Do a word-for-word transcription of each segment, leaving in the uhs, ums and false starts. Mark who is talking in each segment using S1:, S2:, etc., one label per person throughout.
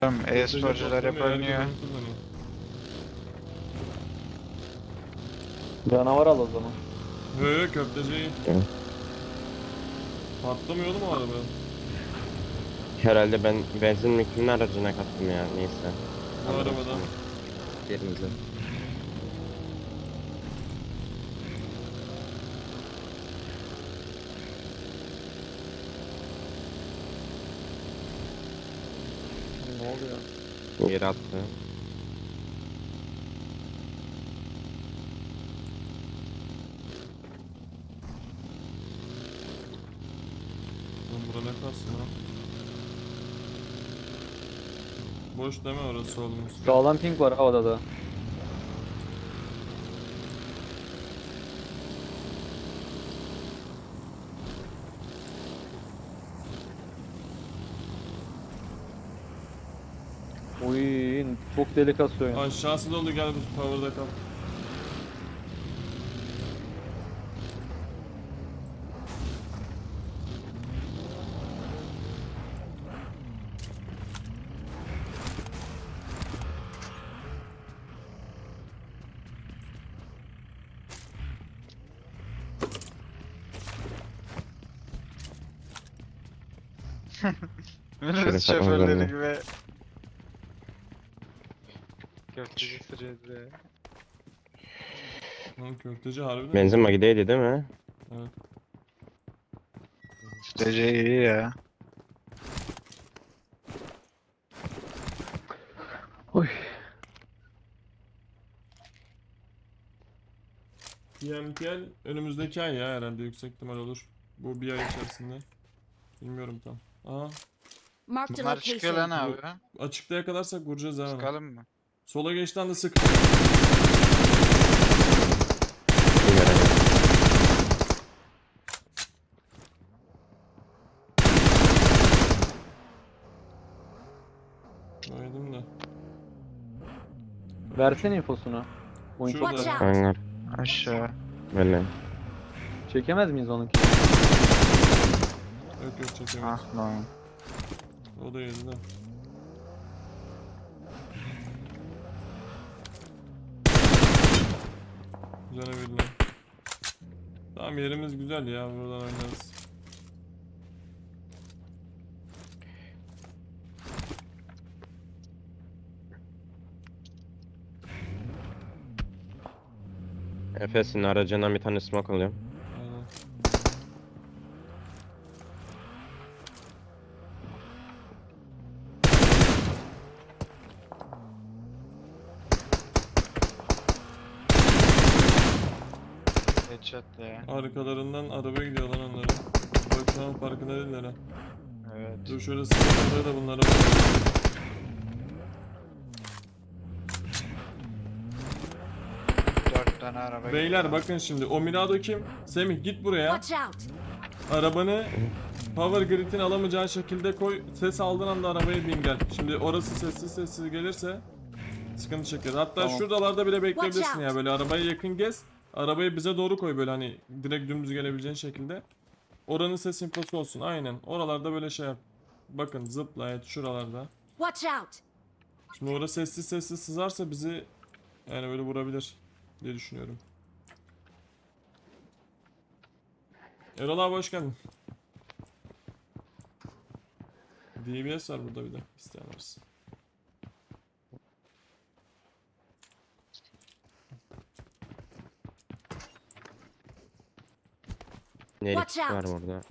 S1: Tamam,
S2: Köfteci
S1: e-sporcular hep
S2: patlamıyor, herkes
S1: oynuyor.
S2: onu kullanıyor.
S3: Canavar al o zaman.
S2: Yo yo, köfteci iyi.
S4: Evet.
S2: Patlamıyor oğlum o araba.
S4: Herhalde ben benzin mi kimin aracına kattım ya, neyse.
S2: Bu
S4: Anladım
S2: arabada.
S4: sonra. Yerimize.
S3: Ne oluyor?
S4: Yere attı.
S2: Oğlum bura ne kalsın ha? Boş deme orası solumuz.
S3: Sağlam ping var havada da. Uy, çok delikatlı oyun.
S2: Aşağısı dolu, gel bu power'da kal.
S1: Minibüs
S4: Şöyle
S1: şoförleri
S4: saklanalım.
S1: gibi. Köfteci sürüyordu.
S2: Lan köfteci harbiden.
S4: Benzin magideydi değil mi?
S2: Evet.
S1: Köfteci iyi ya.
S3: Uy.
S2: P M T L önümüzdeki ay ya, herhalde yüksek ihtimal olur. Bu bir ay içerisinde. Bilmiyorum tam. Aha,
S5: Marked a
S1: Bunlar çıkıyor lan
S5: location.
S1: abi.
S2: açıkta yakalarsak vuracağız ha onu.
S1: Sıkalım mı?
S2: Sola geçten de sık.
S4: Bir görelim.
S2: Oynadım da.
S3: Versene infosunu. Oyun çok
S2: Şurada.
S5: Watch
S3: garip.
S5: out.
S4: Hangar.
S1: Aşağı.
S4: Böyle.
S3: Çekemez miyiz onunki?
S2: Yok yok, çekemeyiz.
S1: Ah lan.
S2: O da yedi de. Güzel evirler. Tamam, yerimiz güzel ya, buradan oynarız.
S4: Efes'in aracından bir tane smoke alıyorum.
S2: Aynen.
S1: Headshot ya.
S2: Arkalarından araba gidiyor lan onlara. Bak şu an farkında değiller ha.
S1: Evet.
S2: Dur şöyle sıkıntıları da bunlara bak.
S1: Dört tane araba.
S2: Beyler bakın şimdi, o Mirado kim? Semih git buraya.
S5: Watch out.
S2: Arabanı power grid'in alamayacağı şekilde koy. Ses aldığın anda arabaya bin gel. Şimdi orası sessiz sessiz gelirse sıkıntı çeker. Hatta
S3: Tamam.
S2: şuralarda bile bekleyebilirsin
S5: Watch
S2: ya,
S5: out.
S2: böyle arabaya yakın gez. Arabayı bize doğru koy, böyle hani direkt dümdüz gelebileceğin şekilde. Oranın ses infosu olsun, aynen. Oralarda böyle şey yap. Bakın zıpla, evet şuralarda.
S5: Watch out.
S2: Şimdi orası sessiz sessiz sızarsa bizi yani böyle vurabilir diye düşünüyorum. Erol abi hoş geldin. D B S var burada bir de, isteyen varsa.
S4: Nelik
S5: Watch
S4: var
S5: out.
S4: burada.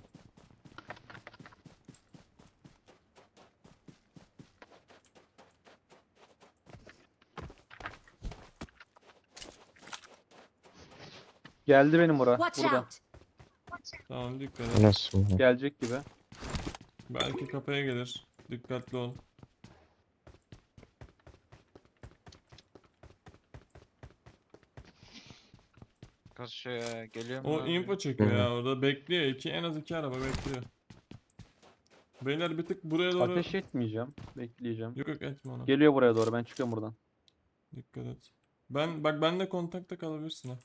S3: Geldi benim bura.
S5: Watch
S3: Burada.
S5: out.
S2: Tamam, dikkat et.
S4: Nasıl?
S3: Gelecek gibi.
S2: Belki kafaya gelir. Dikkatli ol.
S1: Kasıyor ya. Geliyor mu?
S2: O
S1: lan?
S2: info çekiyor
S4: Hı.
S2: ya, orada bekliyor. İki, en az iki araba bekliyor. Beyler bir tık buraya doğru.
S3: Ateş etmeyeceğim. Bekleyeceğim.
S2: Yok yok, etme onu.
S3: Geliyor buraya doğru. Ben çıkıyorum buradan.
S2: Dikkat et. Ben bak, benle kontakta kalabilirsin ha.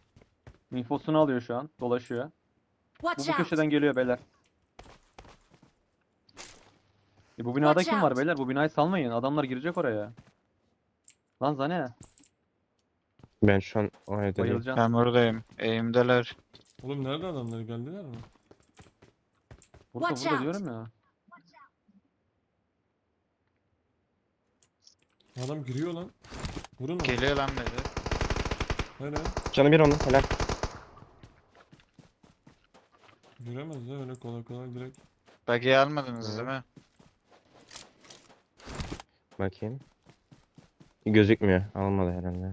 S3: İnfosunu alıyor şu an. Dolaşıyor. Bu,
S5: Watch
S3: bu
S5: out.
S3: köşeden geliyor beyler. E bu binada
S5: Watch
S3: kim var
S5: out.
S3: beyler? Bu binayı salmayın. Adamlar girecek oraya. Lan Zane.
S4: Ben şu an o evde değilim.
S3: Bayılacaksın.
S1: Ben buradayım. Eğimdeler.
S2: Oğlum nerede adamlar, geldiler mi?
S3: Burada
S5: Watch
S3: burada
S5: out.
S3: diyorum ya.
S2: Adam giriyor lan. Vurun onu.
S1: Geliyor lan dedi.
S2: Hele.
S4: Canı bir onun helal.
S2: Giremez ya öyle kolay kolay direkt.
S1: Buggy'i almadınız
S4: Hı.
S1: değil mi?
S4: Bakayım. Gözükmüyor. Almadı herhalde.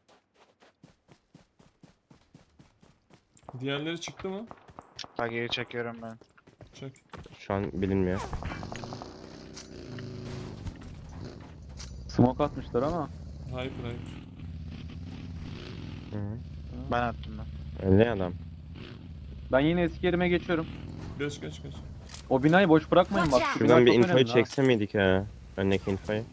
S2: Diğerleri çıktı mı?
S1: Buggy'yi çekiyorum ben.
S2: Çek.
S4: Şu an bilinmiyor.
S3: Smoke atmışlar ama.
S2: Hyper hyper.
S4: Hı -hı.
S1: Ben attım ben.
S4: Öyle adam.
S3: Ben yine eski yerime geçiyorum.
S2: Geç geç geç.
S3: O binayı boş bırakmayın bak.
S5: Watch
S3: Şu
S5: out.
S3: bina
S4: Şuradan bir
S3: çok
S4: infoyu
S3: önemli ha.
S4: çekse miydik ha? Öndeki infoyu.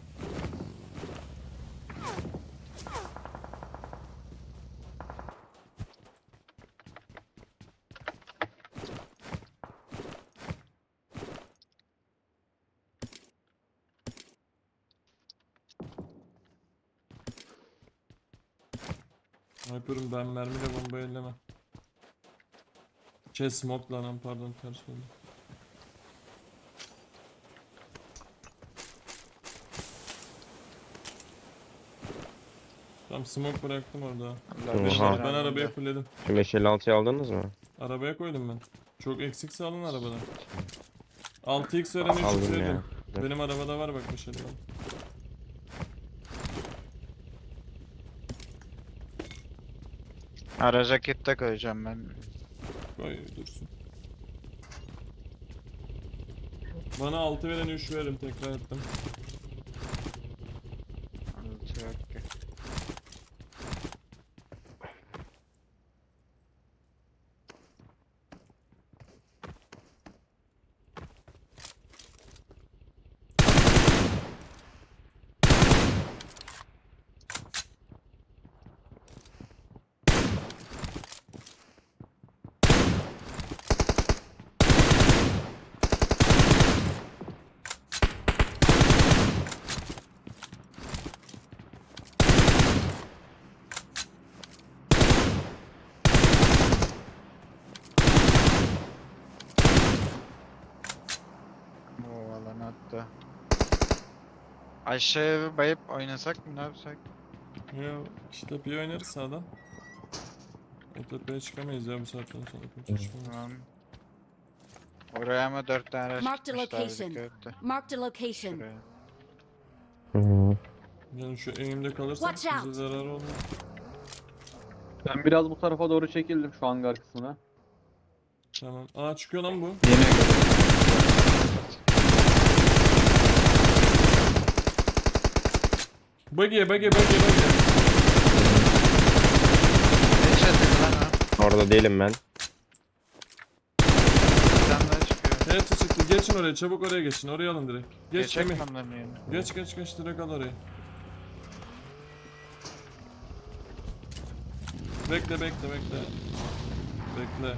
S2: Hyper'ım ben mermiyle bomba elleme. Şey smoke lan pardon ters oldu. Tamam smoke bıraktım orada.
S1: Allah
S4: Oha.
S1: bir şey
S2: Ben
S1: aldım
S2: arabayı
S1: da.
S2: fullledim.
S4: Şu beş elli altıyı aldınız mı?
S2: Arabaya koydum ben. Çok eksikse alın arabadan. altı x veren üç x
S4: Aldım
S2: veririm.
S4: ya. Dur.
S2: Benim arabada var bak bir şey.
S1: Araca kit de koyacağım ben.
S2: Koy dursun. Bana altı veren üç veririm tekrar ettim.
S1: Altı yok ki. O alan attı. Aşağıya bir bayıp oynasak mı ne yapsak?
S2: Ya işte bir oynarız sağdan. O tepeye çıkamayız ya bu saatten sonra kimse çıkamaz.
S1: Tamam. Oraya ama dört tane araç
S5: Marked a
S1: gitmişler
S5: location.
S1: dikkat et de.
S5: Marked a location.
S1: Şuraya.
S4: Hı -hı.
S2: Yani şu eğimde kalırsak
S5: Watch
S2: bize
S5: out.
S2: zararı olmaz.
S3: Ben biraz bu tarafa doğru çekildim şu hangar kısmına.
S2: Tamam. Aa çıkıyor lan bu.
S1: Yine geliyor.
S2: Buggy'e buggy'e buggy'e buggy'e.
S1: Ne çatı lan o?
S4: Orada değilim ben.
S1: Bir tane daha çıkıyor.
S2: Evet çıktı. Geçin oraya. Çabuk oraya geçin. Oraya alın direkt. Geç
S1: Geçecek
S2: Semih.
S1: mi onların yerine?
S2: Geç geç geç direkt al orayı. Bekle bekle bekle. Bekle.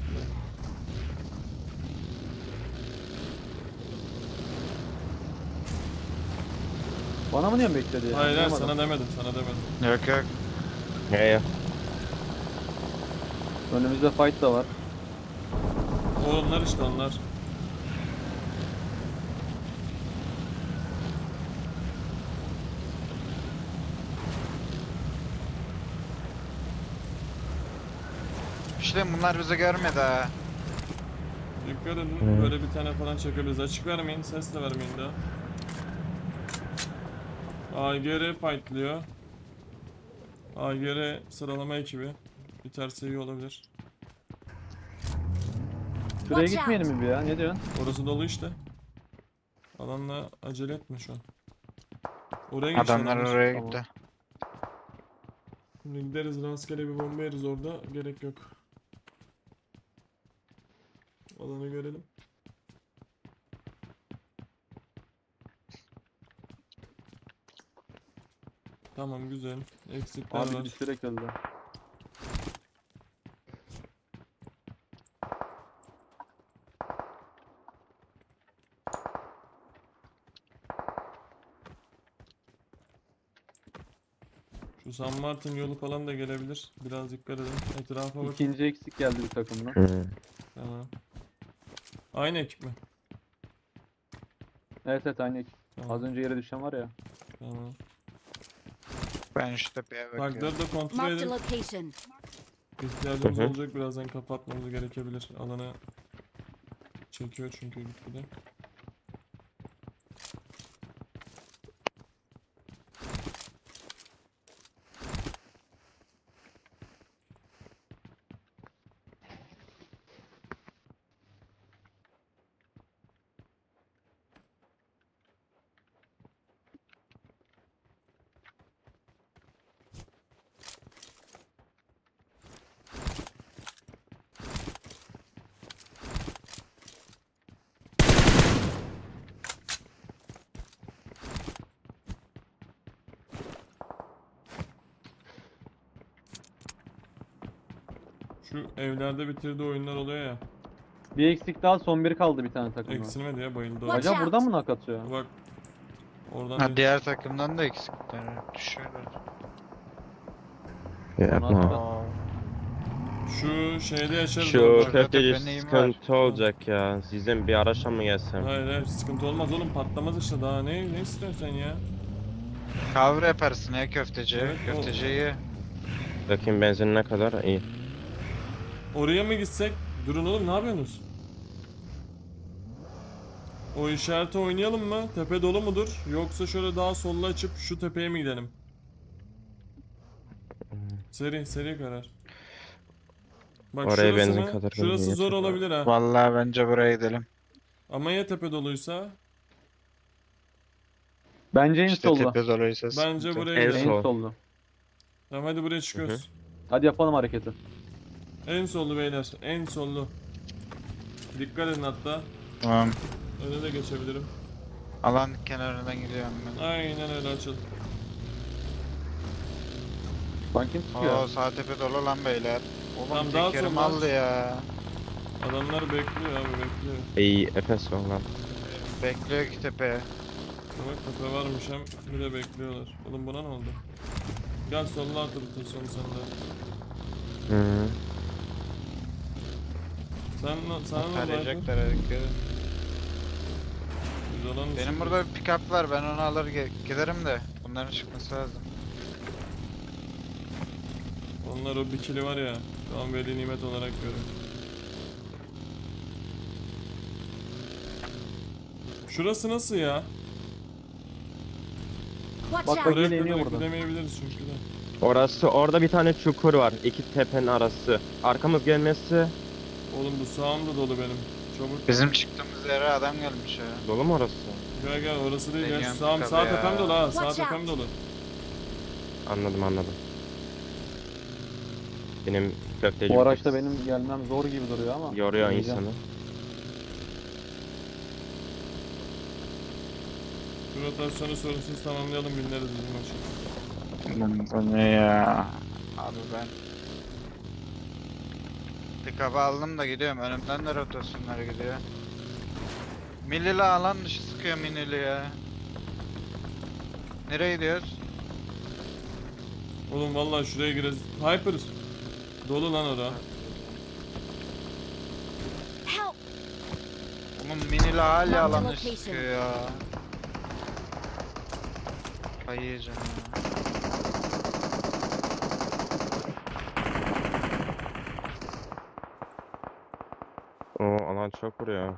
S3: Bana mı diyorsun bekledi ya?
S2: Hayır hayır
S3: Anlayamadım.
S2: sana demedim sana demedim.
S1: Yok yok.
S4: Ya ya.
S3: Önümüzde fight da var.
S2: O onlar işte onlar.
S1: İşte bunlar bizi görmedi ha.
S2: Dikkat edin.
S4: Hı.
S2: Böyle bir tane falan çekebiliriz. Açık vermeyin. Ses de vermeyin daha. A G R fightlıyor. A G R sıralama ekibi. Biterse iyi olabilir.
S3: Şuraya
S5: Watch
S3: gitmeyelim mi bir ya? Ne diyorsun?
S2: Orası dolu işte. Alanla acele etme şu an. Oraya geç
S1: Adamlar
S2: adamlar.
S1: oraya
S3: Tamam.
S1: gitti.
S2: Şimdi gideriz rastgele bir bomba yeriz orada. Gerek yok. Alanı görelim. Tamam güzel. Eksikler
S3: Abi
S2: var.
S3: düşürerek öldü.
S2: Bu San Martin yolu falan da gelebilir. Biraz dikkat edin. Etrafa bakın.
S3: İkinci eksik geldi bir takımdan.
S4: Hı.
S2: Tamam. Aynı ekip mi?
S3: Evet evet aynı ekip.
S2: Tamam.
S3: Az önce yere düşen var ya.
S2: Tamam.
S1: Ben şu tepeye bakıyorum.
S2: Tankları da kontrol
S5: Marked a
S2: edin.
S5: location.
S2: İhtiyacımız
S4: Hı hı.
S2: olacak, birazdan kapatmamız gerekebilir. Alanı çekiyor çünkü gitgide. Şu evlerde bitirdiği oyunlar oluyor ya.
S3: Bir eksik daha, son bir kaldı bir tane takımda.
S2: Eksilmedi ya, bayıldı o.
S5: Watch
S3: Acaba
S5: out.
S3: buradan mı nak atıyor?
S2: Bak. Oradan
S1: Ha,
S2: değil.
S1: diğer takımdan da eksikler düşüyorlar.
S4: Yapma.
S1: Aa,
S2: Şu şeyde yaşarız.
S4: Şu
S2: orada.
S1: Bak,
S4: köfteci
S1: zaten neyim var?
S4: sıkıntı olacak ya. Sizden bir araçla mı gelsem?
S2: Hayır hayır, sıkıntı olmaz oğlum, patlamaz işte daha, ne ne istiyorsun sen ya?
S1: Kavra yaparsın ya köfteci.
S2: Evet, o-
S1: Köfteciyi.
S4: Bakayım benzin ne kadar? İyi.
S2: Oraya mı gitsek? Durun oğlum, ne yapıyorsunuz? O işareti oynayalım mı? Tepe dolu mudur? Yoksa şöyle daha solla açıp şu tepeye mi gidelim? Seri seri karar. Bak
S4: Oraya
S2: şurası
S4: benzin
S2: mı?
S4: kadar
S2: Şurası
S4: benzin
S2: zor
S4: yeter.
S2: olabilir ha.
S1: Vallahi bence buraya gidelim.
S2: Ama ya tepe doluysa?
S3: Bence en
S1: İşte
S3: solda.
S1: tepe doluysa
S2: Bence
S1: sıkıntı.
S2: buraya
S4: En
S2: gidelim.
S4: sol.
S3: En solda.
S2: Tamam hadi buraya çıkıyoruz.
S3: Hadi yapalım hareketi.
S2: En sollu beyler, en sollu. Dikkat edin hatta.
S1: Tamam.
S2: Öne de geçebilirim.
S1: Alan kenarından gidiyorum ben.
S2: Aynen öyle, açıl.
S3: Lan kim sıkıyor?
S1: Oo sağ tepe dolu lan beyler. Oğlum
S2: Tamam, daha
S1: tekerim
S2: sonra-
S1: aldı ya.
S2: Adamlar bekliyor abi, bekliyor.
S4: İyi Efes olan.
S1: Bekliyor ki tepe.
S2: Bak tepe varmış hem, bir de bekliyorlar. Oğlum buna ne oldu? Gel solla atı bütün sonu sende.
S4: Hı.
S2: Sen, sana ne oldu?
S1: Tarayacaklar herkese.
S2: Biz olan
S1: Benim burada bir pick-up var, ben onu alır ge- giderim de. Bunların çıkması lazım.
S2: Onlar o bikili var ya, şu an veli nimet olarak görüyor. Şurası nasıl ya?
S5: Watch
S3: Bak,
S5: out.
S3: bak.
S2: Oraya
S3: Yine iniyor
S2: kadar
S3: burada.
S2: gidemeyebiliriz çünkü de.
S4: Orası, orada bir tane çukur var. İki tepenin arası. Arkamız gelmesi
S2: Oğlum bu sağım da dolu benim. Çabuk.
S1: Bizim çıktığımız yere adam gelmiş ya.
S4: dolu mu orası?
S2: Gel gel, orası değil ya.
S1: Deniyorum
S2: Sağım,
S1: tabii
S2: sağ
S1: ya.
S2: tepem dolu ha. Sağ
S5: Watch out.
S2: tepem dolu.
S4: Anladım anladım. Benim köfteci
S3: Bu araçta benim gelmem zor gibi duruyor ama.
S4: yoruyor
S3: deneyeceğim.
S4: insanı.
S2: Şu rotasyonu sorunsuz tamamlayalım, binleriz bizim maçı.
S1: Lan bu ne ya? Abi ben pick-up'ı aldım da gidiyorum. Önümden de rotasyonlar gidiyor. Millili alan dışı sıkıyor minili ya. Nereye gidiyoruz?
S2: Oğlum vallahi şuraya gireriz. Hyper. Dolu lan ora.
S5: Help.
S1: Oğlum minili hala
S5: Marked
S1: alan dışı
S5: location.
S1: sıkıyor ya. Kayıyacağım ya.
S4: O alan çok vuruyor.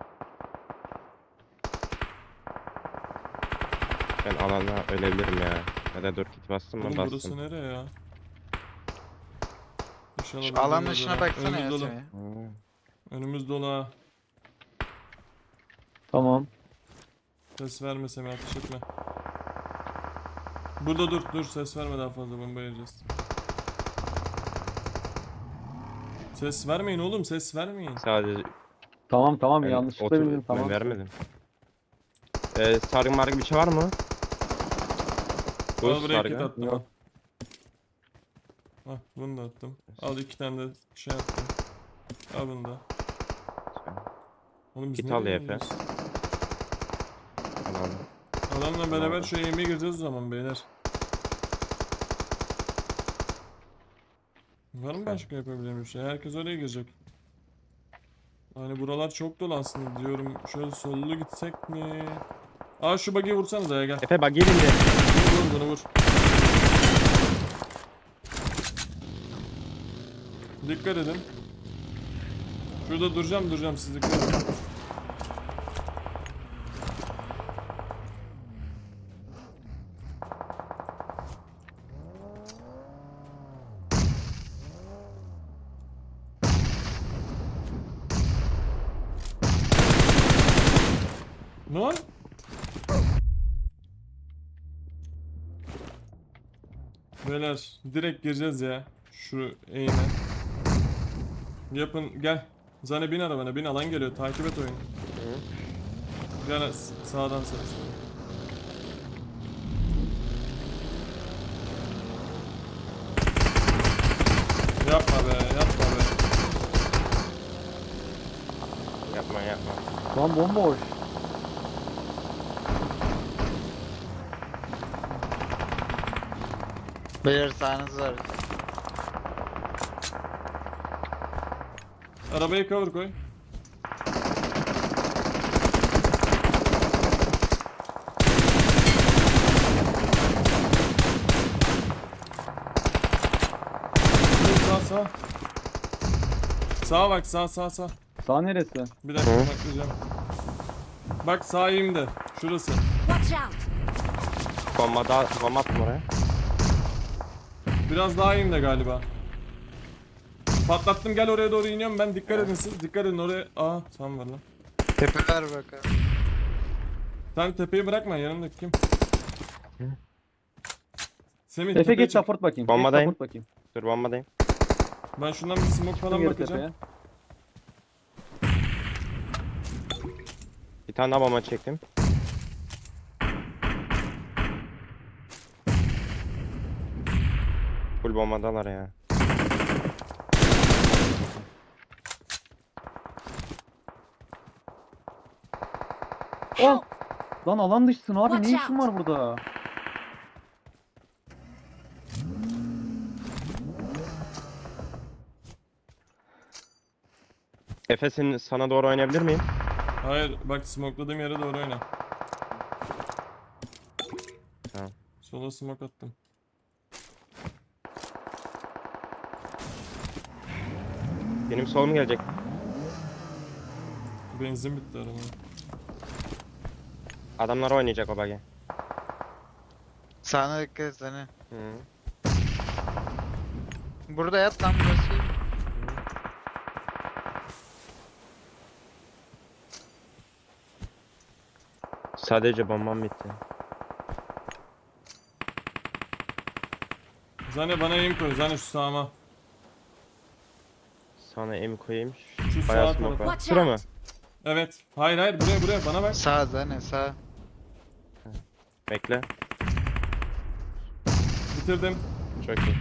S4: Ben alana ölebilirim ya. Ya da dur git bastım mı
S2: Oğlum
S4: bastım.
S2: burası nereye ya? İnşallah
S1: Şu
S2: burada
S1: alan
S2: değildir
S1: dışına
S2: ha.
S1: baksana
S2: Önümüz
S1: ya
S2: dolu.
S1: Semih.
S4: Ha.
S2: Önümüz dolu ha.
S3: Tamam.
S2: Ses verme Semih, ateş etme. Burada dur dur, ses verme, daha fazla bomba yiyeceğiz. Ses vermeyin oğlum, ses vermeyin.
S4: Sadece
S3: Tamam tamam
S4: ben
S3: yanlışlıkla
S4: otur-
S3: bildim tamam.
S4: Ben vermedim. Ee, sargı margı bir şey var mı? Bu
S2: Al buraya kit
S4: sargı.
S2: attım
S3: Yok.
S2: al. Al bunu da attım. Al iki tane de şey attım. Al bunu da. Oğlum biz
S4: Kit al
S2: nereye
S4: ya Efe.
S2: gidiyoruz?
S4: Tamam.
S2: Adamla beraber şu yemeğe gireceğiz o zaman beyler. Var mı başka yapabileceğim bir şey? Herkes oraya girecek. Hani buralar çok dolu aslında diyorum. Şöyle sollu gitsek mi? Aa şu buggy'i vursanıza ya, gel.
S4: Efe bak gelin de.
S2: Vur vur bunu vur. Dikkat edin. Şurada duracağım duracağım, siz dikkat edin. Ne var? Beyler direkt gireceğiz ya. Şu eğime. Yapın gel. Zane bin arabana, bin, alan geliyor, takip et oyunu. Gel s- sağdan sağa. Yapma be, yapma be.
S4: Yapma yapma.
S3: Lan bomboş.
S1: Beyler sağınız var.
S2: Arabayı cover koy. Sağ sağ. Sağa bak, sağ sağ sağ.
S3: Sağ neresi?
S2: Bir dakika
S4: Hı.
S2: bakacağım. Bak sağ eğimde. Şurası.
S5: Watch out!
S4: Bomba daha bomba attım oraya.
S2: Biraz daha eğimde galiba. Patlattım, gel oraya doğru iniyorum ben, dikkat edin siz. Dikkat edin oraya. Aa tam var lan.
S1: Tepe ver bakalım.
S2: Sen tepeyi bırakma, yanındaki kim? Semih
S3: Efe
S2: tepeye
S3: geç
S2: çık.
S3: support bakayım.
S4: Bombadayım.
S3: Geç support bakayım.
S4: Dur bombadayım.
S2: Ben şundan bir smoke falan
S3: Geri
S2: bakacağım.
S3: tepeye.
S4: Bir tane daha bomba çektim. Full bombadalar ya.
S3: Oh! Lan alan dışısın abi, ne
S5: Watch
S3: işin var burada?
S4: Efe senin sana doğru oynayabilir miyim?
S2: Hayır bak, smokeladığım yere doğru oyna.
S4: Tamam.
S2: Sola smoke attım.
S4: Benim solum gelecek.
S2: Benzin bitti araba.
S4: Adamlar oynayacak o bagi.
S1: Sağına dikkat et seni.
S4: Hı.
S1: Burada yat lan, burası.
S4: Sadece bombam bitti.
S2: Zane bana aim koy, Zane şu sağıma.
S4: Sana em koyayım.
S2: Şu
S4: Bayağı
S2: sağ
S4: smoke
S2: tarafa.
S4: var.
S5: Watch
S4: Şura mı?
S5: out!
S2: Evet. Hayır hayır, buraya buraya bana bak.
S1: Sağ Zane sağ.
S4: Bekle.
S2: Bitirdim.
S4: Çok iyi.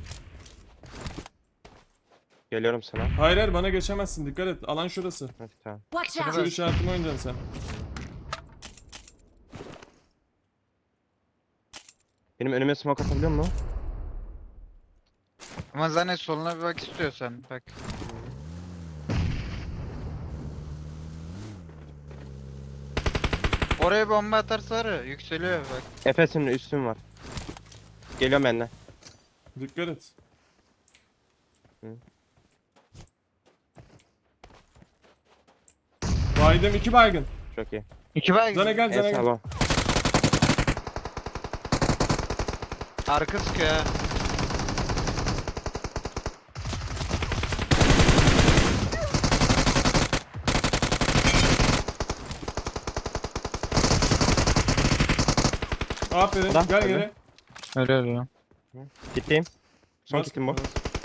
S4: Geliyorum sana.
S2: Hayır hayır, bana geçemezsin, dikkat et. Alan şurası.
S4: Hadi tamam.
S5: Watch
S2: Şu
S5: out!
S2: işaretimi oynayacaksın sen.
S4: Benim önüme smoke atabiliyor musun?
S1: Ama Zane soluna bir bak istiyorsan bak. Oraya bomba atarsa var ya, yükseliyor bak.
S4: Efes'in üstüm var. Geliyorum benden.
S2: Dikkat et.
S4: Hı.
S2: Baydım, iki baygın.
S4: Çok iyi.
S1: İki baygın.
S2: Zane gel, Zane
S4: En
S2: gel.
S4: sağ
S1: Arka sıkıyor ha.
S2: Aferin,
S4: Adam,
S2: gel
S4: öyle.
S2: geri.
S1: Öyle öyle.
S4: Gitteyim. Son
S2: Bas,
S4: kitim bu.
S2: bas.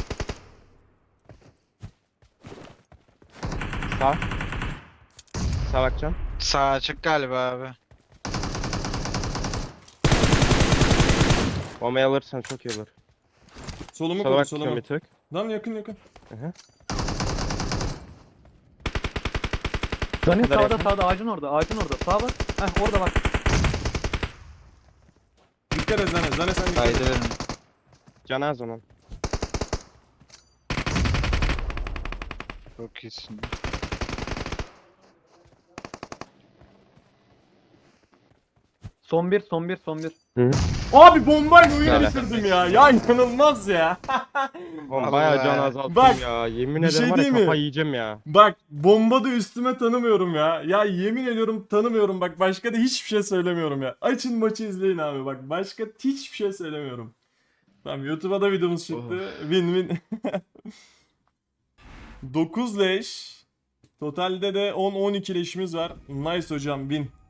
S4: Sağ. Sağ bakacağım.
S1: Sağ açık galiba abi.
S4: Bombayı alırsan çok iyi olur.
S2: Solumu
S4: Sola
S2: koru,
S4: bakacağım
S2: solumu.
S4: bir tık.
S2: Lan yakın yakın.
S4: Hı hı.
S3: Zani
S4: kadar
S3: sağda
S4: yakın.
S3: sağda, ağacın orada, ağacın orada. Sağa bak. Heh orada bak.
S2: Dikkat et Zane, Zane sen dikkat et.
S1: Haydi verin.
S4: Canı az onun.
S1: Çok iyisin.
S3: Son bir, son bir, son bir.
S2: Abi bombayla oyunu
S4: Öyle.
S2: bitirdim ya. Ya inanılmaz ya.
S4: Oğlum bayağı can
S1: Vallahi.
S4: azalttım
S2: Bak,
S4: ya. Yemin
S2: bir
S4: ederim
S2: şey
S4: var ya
S2: diyeyim mi?
S4: kafayı yiyeceğim ya.
S2: Bak bomba da üstüme tanımıyorum ya. Ya yemin ediyorum tanımıyorum. Bak başka da hiçbir şey söylemiyorum ya. Açın maçı izleyin abi. Bak başka hiçbir şey söylemiyorum. Tamam YouTube'a da videomuz çıktı. Win win. dokuz leş. Totalde de on on iki leşimiz var. Nice hocam win.